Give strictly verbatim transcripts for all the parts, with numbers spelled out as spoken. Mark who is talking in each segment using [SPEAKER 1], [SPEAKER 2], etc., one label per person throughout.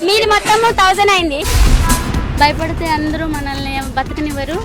[SPEAKER 1] మీది మొత్తం థౌసండ్ అయింది. భయపడితే అందరూ మనల్ని బతకనివ్వరు.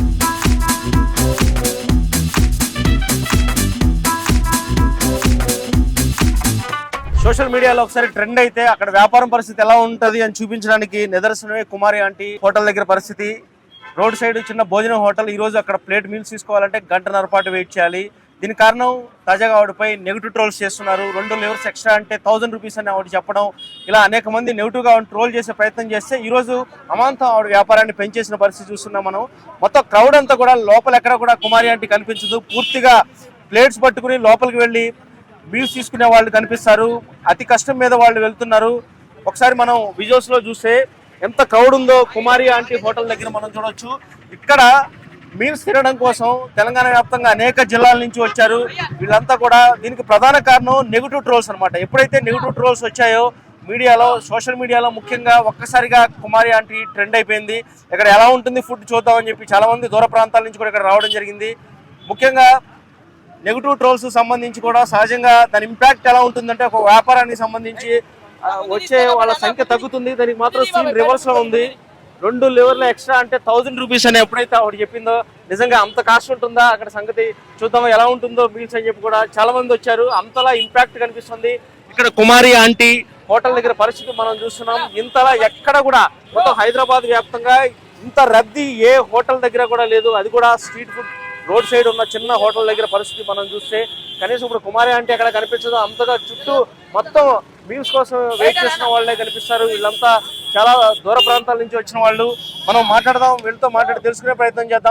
[SPEAKER 2] సోషల్ మీడియాలో ఒకసారి ట్రెండ్ అయితే అక్కడ వ్యాపారం పరిస్థితి ఎలా ఉంటది అని చూపించడానికి నిదర్శనమే కుమారి ఆంటీ హోటల్ దగ్గర పరిస్థితి. రోడ్ సైడ్ చిన్న భోజనం హోటల్. ఈ రోజు అక్కడ ప్లేట్ మీల్స్ తీసుకోవాలంటే గంటన్నర పాటు వెయిట్ చేయాలి. దీనికి కారణం తాజాగా ఆవిడపై నెగిటివ్ ట్రోల్స్ చేస్తున్నారు. రెండు లెవర్స్ ఎక్స్ట్రా అంటే థౌసండ్ రూపీస్ అని ఆవిడ చెప్పడం, ఇలా అనేక మంది నెగిటివ్గా ఆవిడ ట్రోల్ చేసే ప్రయత్నం చేస్తే ఈ రోజు అమాంతం ఆవిడ వ్యాపారాన్ని పెంచేసిన పరిస్థితి చూస్తున్నాం మనం. మొత్తం క్రౌడ్ అంతా కూడా లోపల ఎక్కడ కూడా కుమారి ఆంటీ కనిపించదు. పూర్తిగా ప్లేట్స్ పట్టుకుని లోపలికి వెళ్ళి మీల్స్ తీసుకునే వాళ్ళు కనిపిస్తారు. అతి కష్టం మీద వాళ్ళు వెళ్తున్నారు. ఒకసారి మనం విజువల్స్ లో చూస్తే ఎంత క్రౌడ్ ఉందో కుమారి ఆంటీ హోటల్ దగ్గర మనం చూడొచ్చు. ఇక్కడ మీల్స్ తినడం కోసం తెలంగాణ వ్యాప్తంగా అనేక జిల్లాల నుంచి వచ్చారు. వీళ్ళంతా కూడా దీనికి ప్రధాన కారణం నెగిటివ్ ట్రోల్స్ అనమాట. ఎప్పుడైతే నెగిటివ్ ట్రోల్స్ వచ్చాయో మీడియాలో, సోషల్ మీడియాలో ముఖ్యంగా ఒక్కసారిగా కుమారి ఆంటీ ట్రెండ్ అయిపోయింది. ఇక్కడ ఎలా ఉంటుంది ఫుడ్ చూద్దామని చెప్పి చాలా మంది దూర ప్రాంతాల నుంచి కూడా ఇక్కడ రావడం జరిగింది. ముఖ్యంగా నెగిటివ్ ట్రోల్స్ సంబంధించి కూడా సహజంగా దాని ఇంపాక్ట్ ఎలా ఉంటుందంటే ఒక వ్యాపారానికి సంబంధించి వచ్చే వాళ్ళ సంఖ్య తగ్గుతుంది. దానికి మాత్రం సీన్ రివర్స్ లో ఉంది. రెండు లెవర్ల ఎక్స్ట్రా అంటే థౌసండ్ రూపీస్ అని ఎప్పుడైతే ఆవిడ చెప్పిందో నిజంగా అంత కాస్ట్ ఉంటుందా అక్కడ సంగతి చూద్దాం ఎలా ఉంటుందో మీల్స్ అని చెప్పి కూడా చాలా మంది వచ్చారు. అంతలా ఇంపాక్ట్ కనిపిస్తుంది. ఇక్కడ కుమారి ఆంటీ హోటల్ దగ్గర పరిస్థితి మనం చూస్తున్నాం. ఇంతలా ఎక్కడ కూడా మొత్తం హైదరాబాద్ వ్యాప్తంగా ఇంత రద్దీ ఏ హోటల్ దగ్గర కూడా లేదు. అది కూడా స్ట్రీట్ ఫుడ్ రోడ్ సైడ్ ఉన్న చిన్న హోటల్ దగ్గర పరిస్థితి మనం చూస్తే కనీసం ఇప్పుడు కుమారి ఆంటీ అక్కడ కనిపించదు. అంతగా చుట్టూ మొత్తం మీల్స్ కోసం వెయిట్ చేసిన వాళ్ళే కనిపిస్తారు. వీళ్ళంతా చాలా దూర ప్రాంతాల నుంచి వచ్చిన వాళ్ళు. మనం మాట్లాడదాం, వీళ్ళతో మాట్లాడి తెలుసుకునే ప్రయత్నం చేద్దాం.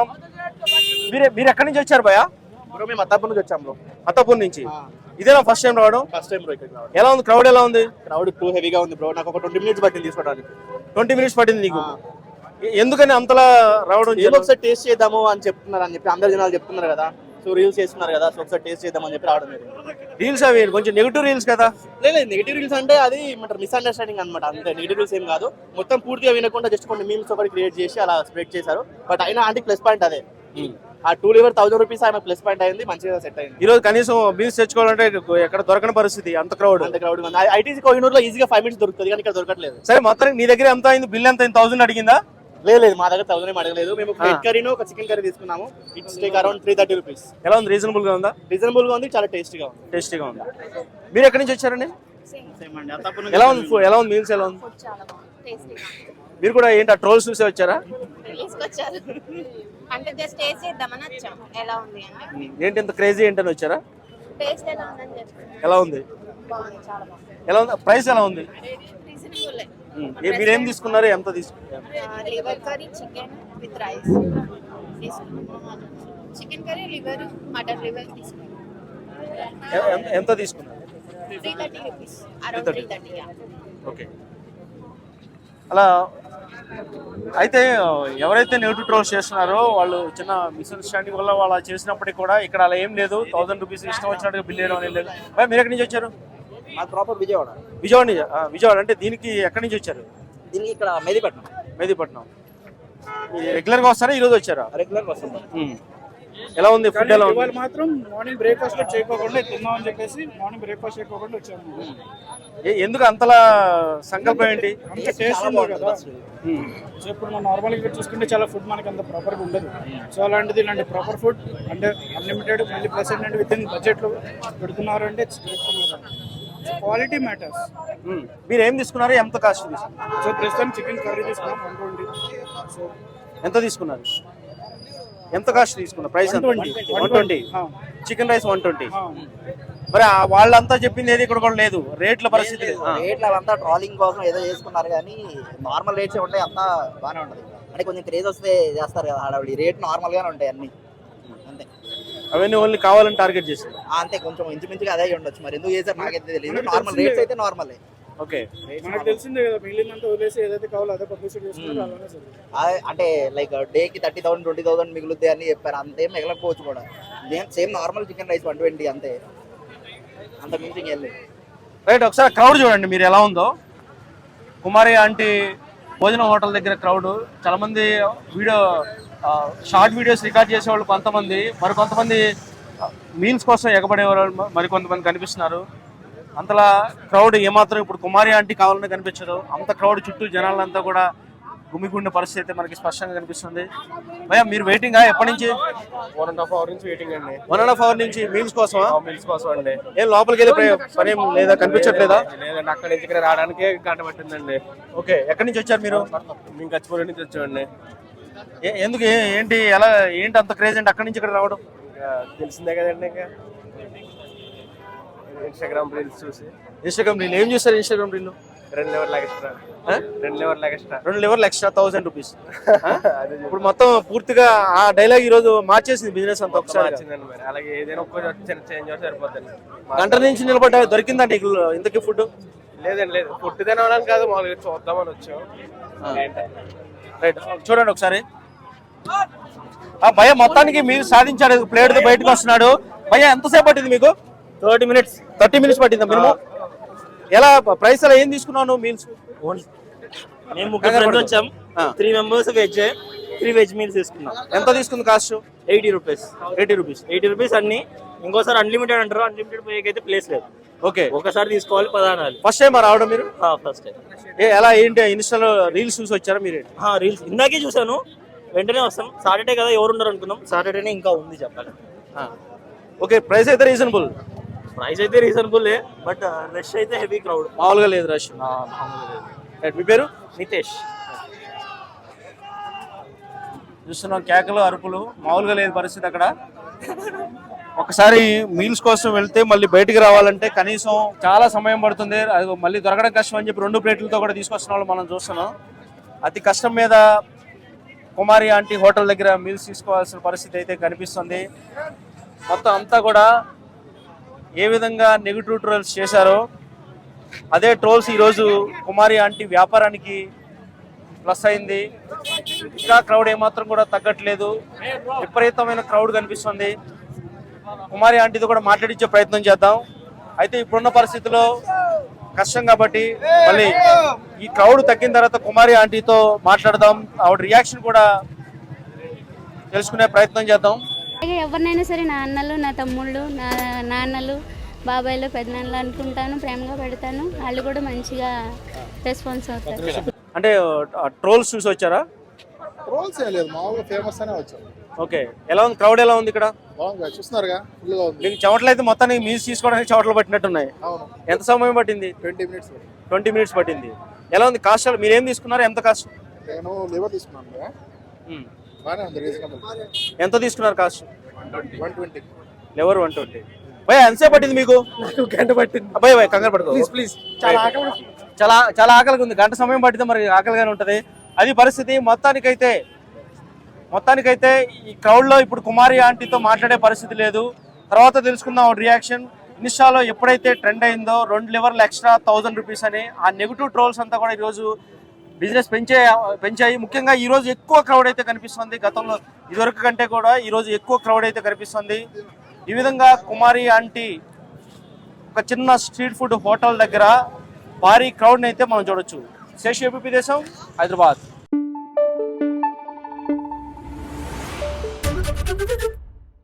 [SPEAKER 2] మీరే మీరు ఎక్కడి నుంచి వచ్చారు భయ?
[SPEAKER 3] బ్రో మేము అత్తాపూర్ నుంచి వచ్చాం బ్రో.
[SPEAKER 2] అత్తాపూర్ నుంచి. ఇదేనా ఫస్ట్ టైం రావడం?
[SPEAKER 3] ఫస్ట్ టైం బ్రో ఇక్కడ రావడం.
[SPEAKER 2] ఎలా ఉంది క్రౌడ్? ఎలా ఉంది
[SPEAKER 3] క్రౌడ్ టూ హెవీగా ఉంది బ్రో. నాకు ఒక ట్వంటీ మినిట్స్ పట్టింది తీసుకోవడానికి.
[SPEAKER 2] ట్వంటీ మినిట్స్ పట్టింది నీకు? ఎందుకని అంతలా రావడం?
[SPEAKER 3] ఏదో ఒకసారి టేస్ట్ చేద్దాము అని చెప్తున్నారు అని చెప్పి అందరు జనాలు చెప్తున్నారు కదా. సో రీల్స్ చేస్తున్నారు కదా, సో ఒకసారి టేస్ట్ చేద్దామని చెప్పి రావడం.
[SPEAKER 2] రీల్స్ అవి కొంచెం నెగిటివ్ రీల్స్ కదా?
[SPEAKER 3] లేదు నెగిటివ్ రీల్స్ అంటే అది మిస్అండర్స్టాండింగ్ అనమాట. అంతే, నెగిటివ్ రీల్స్ ఏం కాదు. మొత్తం పూర్తిగా వినకుండా జస్ట్ కొన్ని మీమ్స్ ఒకటి క్రియేట్ చేసి అలా స్ప్రెడ్ చేశారు. బట్ అయినా అంటే ప్లస్ పాయింట్ అదే. ఆ టూ లివర్ థౌసండ్ రూపీస్ ఆయన ప్లస్ పాయింట్ అయింది, మంచిగా సెట్ అయింది.
[SPEAKER 2] ఈ రోజు కనీసం మీల్స్ తెచ్చుకోవాలంటే ఎక్కడ దొరకని పరిస్థితి, అంత క్రౌడ్
[SPEAKER 3] అంత క్రౌడ్. ఐటీసీ కోహినూరులో ఈజీగా ఫైవ్ మినిట్స్ దొరుకుతుంది, కానీ ఇక్కడ దొరకట్లేదు.
[SPEAKER 2] సరే మొత్తానికి నీ దగ్గర ఎంత అయింది? బిల్ ఎంత అయింది? థౌసండ్ అడిగిందా?
[SPEAKER 3] లేదు లేదు, మా దగ్గర థౌసండ్ ఏం అడగలేదు. మేము వెజ్ కర్రీను ఒక చికెన్ కర్రీ తీసుకున్నాము. It's take around three thirty rupees.
[SPEAKER 2] ఎలా ఉంది? రీజనబుల్ గా ఉందా?
[SPEAKER 3] రీజనబుల్ గా ఉంది, చాలా టేస్టీగా ఉంది.
[SPEAKER 2] టేస్టీగా ఉంది. మీరు ఎక్కడి నుంచి వచ్చారండి? ఎలా ఉంది? ఎలా ఉంది మీల్స్? ఎలా ఉంది? మీరు కూడా ఏంటి ఆ ట్రోల్స్ చూసే వచ్చారా?
[SPEAKER 1] అంటే జస్ట్ టేస్ట్ చేద్దామని వచ్చాం ఎలా ఉంది అని.
[SPEAKER 2] ఏంటి ఇంత క్రేజీ ఏంటని వచ్చారా?
[SPEAKER 1] టేస్ట్ ఎలా ఉందని చెప్పి.
[SPEAKER 2] ఎలా ఉంది?
[SPEAKER 1] బాగుంది, చాలా బాగుంది.
[SPEAKER 2] ఎలా ఉంది? ప్రైస్ ఎలా ఉంది?
[SPEAKER 1] రీజనబుల్.
[SPEAKER 2] మీరేం తీసుకున్నారు? ఎంత తీసుకున్నారు?
[SPEAKER 1] Liver curry chicken with rice తీసుకున్నాం. Chicken curry liver mutton liver తీసుకున్నాం.
[SPEAKER 2] ఎంత తీసుకున్నారు?
[SPEAKER 1] Three thirty rupees around three thirty.
[SPEAKER 2] Okay. అలా అయితే ఎవరైతే నెగిటివ్ ట్రోల్స్ చేస్తున్నారో వాళ్ళు చిన్న మిస్అండర్స్టాండింగ్ వల్ల వాళ్ళు చేసినప్పటికీ కూడా ఇక్కడ అలా ఏం లేదు. థౌసండ్ రూపీస్ ఇష్టం వచ్చినట్టుగా బిల్ చేయడం అనేది లేదు. మీరు ఎక్కడి నుంచి వచ్చారు?
[SPEAKER 3] మాది ప్రాపర్ విజయవాడ.
[SPEAKER 2] విజయవాడ నుంచి. విజయవాడ అంటే దీనికి ఎక్కడి నుంచి వచ్చారు?
[SPEAKER 3] దీనికి ఇక్కడ మెహదీపట్నం.
[SPEAKER 2] మెహదీపట్నం. రెగ్యులర్ గా వస్తారా? ఈ రోజు వచ్చారా?
[SPEAKER 3] రెగ్యులర్ గా వస్తాం.
[SPEAKER 2] ఎలా ఉంది ఫుడ్? ఎలా ఉంది?
[SPEAKER 4] మాత్రం మార్నింగ్ బ్రేక్ఫాస్ట్ చేయకోకుండా తిందాం అని చెప్పేసి మార్నింగ్ బ్రేక్ఫాస్ట్ చేయకోకుండా వచ్చాము.
[SPEAKER 2] ఎందుకు అంతలా సంకల్పం ఏంటి?
[SPEAKER 4] అంత టేస్ట్ ఉంది కదా. సో ఇప్పుడు మనం నార్మల్ గా చూసుకుంటే చాలా ఫుడ్ మనకి అంత ప్రాపర్ గా ఉండదు. సో అలాంటిది ఇలాంటి ప్రాపర్ ఫుడ్ అంటే అన్లిమిటెడ్ మళ్ళీ ప్లస్ ఏంటంటే విత్ ఇన్ బడ్జెట్ లో పెడుతున్నారు అంటే క్వాలిటీ మ్యాటర్స్.
[SPEAKER 2] మీరు ఏం తీసుకున్నారు? ఎంత కాస్ట్ తీసుకున్నారు?
[SPEAKER 4] సో ప్రస్తుతం చికెన్ కర్రీ తీసుకున్నాం వన్ ట్వంటీ. సో
[SPEAKER 2] ఎంత తీసుకున్నారు? ఎంత కాస్ట్ తీసుకున్నారు? Price one twenty. Chicken rice one twenty. మరి వాళ్ళంతా చెప్పింది ఏది ఇక్కడ కూడా లేదు. రేట్ల పరిస్థితి
[SPEAKER 5] రేట్లు అవంతా ట్రాలింగ్ కోసం ఏదో చేసుకున్నారు, కానీ నార్మల్ రేట్స్ ఉంటాయి, అంతా బాగానే ఉంటుంది. అంటే కొంచెం క్రేజ్ వస్తే చేస్తారు కదా హడావిడి. రేట్ నార్మల్ గానే ఉంటాయి అన్ని, అంతే.
[SPEAKER 2] అవన్నీ ఓన్లీ కావాలని టార్గెట్ చేస్తారు.
[SPEAKER 5] అంతే, కొంచెం ఇంచుమించుగా అదే ఉండొచ్చు. మరి ఎందుకు చేశారు నాకైతే తెలియదు. నార్మల్ రేట్స్ అయితే నార్మలే.
[SPEAKER 2] ఓకే,
[SPEAKER 4] మనకు తెలిసిందే కదా. మిగిలినంత వదిలేసి ఏదైతే కావాలో అదే పబ్లిసిటీ చేస్తున్నారు, అలానే సరే.
[SPEAKER 5] అంటే లైక్ డేకి థర్టీ థౌసండ్ ట్వంటీ థౌసండ్ మిగులుద్ది అని చెప్పారు. అంతేం మిగలకపోవచ్చు కూడా. Same normal chicken rice one twenty అంతే, అంత మించింగ్ వెళ్ళి.
[SPEAKER 2] రైట్, ఒకసారి క్రౌడ్ చూడండి మీరు ఎలా ఉందో. కుమారి ఆంటీ భోజనం హోటల్ దగ్గర క్రౌడ్ చాలా మంది. వీడియో షార్ట్ వీడియోస్ రికార్డ్ చేసేవాళ్ళు కొంతమంది, మరి కొంతమంది మీల్స్ కోసం ఎగబడేవాళ్ళు మరి కొంతమంది కనిపిస్తున్నారు. అంతలా క్రౌడ్ ఏమాత్రం ఇప్పుడు కుమారి ఆంటీ కావాలని కనిపించదు. అంత క్రౌడ్ చుట్టూ జనాలంతా కూడా గుమిగుండే పరిస్థితి అయితే మనకి స్పష్టంగా కనిపిస్తుంది. భయ్యా మీరు వెయిటింగా ఎప్పటి నుంచి?
[SPEAKER 6] వన్ అండ్ హాఫ్ అవర్ నుంచి వెయిటింగ్ అండి.
[SPEAKER 2] వన్ అండ్ హాఫ్ అవర్ నుంచి మీల్స్ కోసమా?
[SPEAKER 6] మీల్స్ కోసం అండి.
[SPEAKER 2] ఏం లోపలికి వెళ్ళే ప్ర- పని ఏం లేదా, కనిపించట్లేదా?
[SPEAKER 6] లేదండి, అక్కడి నుంచి ఇక్కడ రావడానికి గంట పట్టిందండి.
[SPEAKER 2] ఓకే, ఎక్కడి నుంచి వచ్చారు మీరు?
[SPEAKER 6] మేము కచ్చిపూడి నుంచి వచ్చామండి.
[SPEAKER 2] ఏ- ఎందుకు ఏ- ఏంటి ఎలా ఏంటి అంత క్రేజ్ అంటే అక్కడి నుంచి ఇక్కడ రావడం?
[SPEAKER 6] ఇంకా తెలిసిందే కదండి, ఇంకా ఇన్స్టాగ్రామ్ రీల్స్ చూసి
[SPEAKER 2] ఇన్స్టాగ్రామ్ రీల్ ఏం చూస్తారు? ఇన్స్టాగ్రామ్ రీల్
[SPEAKER 6] రెండు లెవెల్ లాగా ఎక్స్ట్రా రెండు లెవెల్ లాగా ఎక్స్ట్రా
[SPEAKER 2] రెండు లెవర్లు ఎక్స్ట్రా థౌసండ్ రూపీస్. ఇప్పుడు మొత్తం పూర్తిగా ఆ డైలాగ్ ఈ రోజు మార్చేసింది బిజినెస్ అంతా ఒకసారి.
[SPEAKER 6] వచ్చిందండి. మరి అలాగే ఏదైనా ఒక్క చిన్న చేంజ్ అవుతే సరిపోతుంది.
[SPEAKER 2] గంట నుంచి నిలబడ్డా దొరికిందండి ఇంతకీ ఫుడ్?
[SPEAKER 6] లేదండి, లేదు, ఫుడ్ తినడానికి కాదు, మామూలుగా చూద్దామని వచ్చాం.
[SPEAKER 2] రైట్, చూడండి ఒకసారి. ఆ భయ మొత్తానికి మీరు సాధించారు, ప్లేట్ తో బయటకు వస్తున్నాడు. భయ ఎంతసేపు పట్టింది మీకు?
[SPEAKER 3] థర్టీ మినిట్స్
[SPEAKER 2] థర్టీ మినిట్స్ పట్టిందా మినిమం? ఎలా ప్రైస్ అలా ఏం తీసుకున్నాను మీల్స్?
[SPEAKER 3] మేము ముగ్గురు ఫ్రెండ్స్ వచ్చాం. Three members veg, three veg meals తీసుకున్నాం.
[SPEAKER 2] ఎంత తీసుకుంది cost?
[SPEAKER 3] Eighty rupees
[SPEAKER 2] eighty rupees
[SPEAKER 3] eighty rupees అన్ని. ఇంకోసారి అన్లిమిటెడ్ అంటారు, అన్లిమిటెడ్ పోయేకి అయితే ప్లేస్ లేదు.
[SPEAKER 2] ఓకే,
[SPEAKER 3] ఒకసారి తీసుకోవాలి పదానాలు.
[SPEAKER 2] ఫస్ట్ టైం రావడం మీరు?
[SPEAKER 3] First time.
[SPEAKER 2] ఏ ఎలా ఏంటి ఇన్స్టాలో రీల్స్ చూసి వచ్చారా మీరు?
[SPEAKER 3] రీల్స్ ఇందాకే చూసాను, వెంటనే వస్తాం. సాటర్డే కదా ఎవరు ఉండరు అనుకున్నాం, సాటర్డేనే ఇంకా ఉంది చెప్పాలి.
[SPEAKER 2] ఓకే, ప్రైస్ అయితే రీజనబుల్.
[SPEAKER 3] ప్రైస్ అయితే రీజనబుల్, బట్ రష్ అయితే హెవీ క్రౌడ్.
[SPEAKER 2] మామూలుగా లేదు రష్. మీ పేరు?
[SPEAKER 3] నితేష్.
[SPEAKER 2] చూస్తున్నాం కేకలు అరుపులు, మామూలుగా లేదు పరిస్థితి అక్కడ. ఒకసారి మీల్స్ కోసం వెళ్తే మళ్ళీ బయటికి రావాలంటే కనీసం చాలా సమయం పడుతుంది. అది మళ్ళీ దొరకడం కష్టం అని చెప్పి రెండు ప్లేట్లతో కూడా తీసుకొస్తున్న వాళ్ళు మనం చూస్తున్నాం. అతి కష్టం మీద కుమారి ఆంటీ హోటల్ దగ్గర మీల్స్ తీసుకోవాల్సిన పరిస్థితి అయితే కనిపిస్తుంది. మొత్తం అంతా కూడా ఏ విధంగా నెగిటివ్ ట్రోల్స్ చేశారో అదే ట్రోల్స్ ఈరోజు కుమారి ఆంటీ వ్యాపారానికి ప్లస్ అయింది. ఇంకా క్రౌడ్ ఏమాత్రం కూడా తగ్గట్లేదు, విపరీతమైన క్రౌడ్ కనిపిస్తుంది. కుమారి ఆంటీతో కూడా మాట్లాడించే ప్రయత్నం చేద్దాం. అయితే ఇప్పుడున్న పరిస్థితిలో కష్టం కాబట్టి మళ్ళీ ఈ క్రౌడ్ తగ్గిన తర్వాత కుమారి ఆంటీతో మాట్లాడదాం, ఆవిడ రియాక్షన్ కూడా తెలుసుకునే ప్రయత్నం చేద్దాం.
[SPEAKER 1] అలాగే ఎవరినైనా సరే నా అన్నలు, నా తమ్ముళ్ళు, నా నాన్నలు, బాబాయ్లు, పెద్దనాన్నలు అనుకుంటాను, ప్రేమగా పెడతాను. వాళ్ళు కూడా మంచిగా రెస్పాన్స్ అవుతారు.
[SPEAKER 2] అంటే ట్రోల్స్ చూసి వచ్చారా?
[SPEAKER 7] రోల్స్ ఏం లేదు, మామూలుగా ఫేమస్ అనే వచ్చాం.
[SPEAKER 2] ఓకే, ఎలా ఉంది క్రౌడ్? ఎలా ఉంది ఇక్కడ?
[SPEAKER 7] బాగుంది, చూస్తున్నారుగా, ఫుల్గా ఉంది.
[SPEAKER 2] మీకు చెమటలు అయితే మొత్తానికి మీల్స్ తీసుకోవడానికి చెమటలు పట్టినట్టున్నాయి.
[SPEAKER 7] అవును,
[SPEAKER 2] ఎంత సమయం పట్టింది?
[SPEAKER 7] Twenty minutes.
[SPEAKER 2] ట్వంటీ మినిట్స్ పట్టింది. ఎలా ఉంది కాస్ట్? మీరు ఏం తీసుకున్నారు? ఎంత కాస్ట్?
[SPEAKER 7] నేను లివర్ తీసుకున్నాను కదా, బాగానే ఉంది, రీజనబుల్.
[SPEAKER 2] ఎంత తీసుకున్నారు cost?
[SPEAKER 7] One twenty.
[SPEAKER 2] Liver one twenty. భయ ఎంతసేపు పట్టింది మీకు?
[SPEAKER 6] గంట పట్టింది.
[SPEAKER 2] అబ్బాయి భయ కంగారు పడుకో
[SPEAKER 6] ప్లీజ్.
[SPEAKER 2] చాలా చాలా చాలా ఆకలిగా ఉంది. గంట సమయం పట్టితే మరి ఆకలిగానే ఉంటుంది. అది పరిస్థితి. మొత్తానికైతే మొత్తానికైతే ఈ క్రౌడ్లో ఇప్పుడు కుమారి ఆంటీతో మాట్లాడే పరిస్థితి లేదు. తర్వాత తెలుసుకుందాం ఆవిడ రియాక్షన్. ఇన్స్టాలో ఎప్పుడైతే ట్రెండ్ అయిందో రెండు లివర్లు ఎక్స్ట్రా థౌజండ్ రూపీస్ అని, ఆ నెగిటివ్ ట్రోల్స్ అంతా కూడా ఈరోజు బిజినెస్ పెంచే పెంచాయి. ముఖ్యంగా ఈరోజు ఎక్కువ క్రౌడ్ అయితే కనిపిస్తుంది. గతంలో ఇదివరకు కంటే కూడా ఈరోజు ఎక్కువ క్రౌడ్ అయితే కనిపిస్తుంది. ఈ విధంగా కుమారి ఆంటీ ఒక చిన్న స్ట్రీట్ ఫుడ్ హోటల్ దగ్గర భారీ క్రౌడ్ని అయితే మనం చూడొచ్చు. శేష్ ఏపీ దేశం, హైదరాబాద్.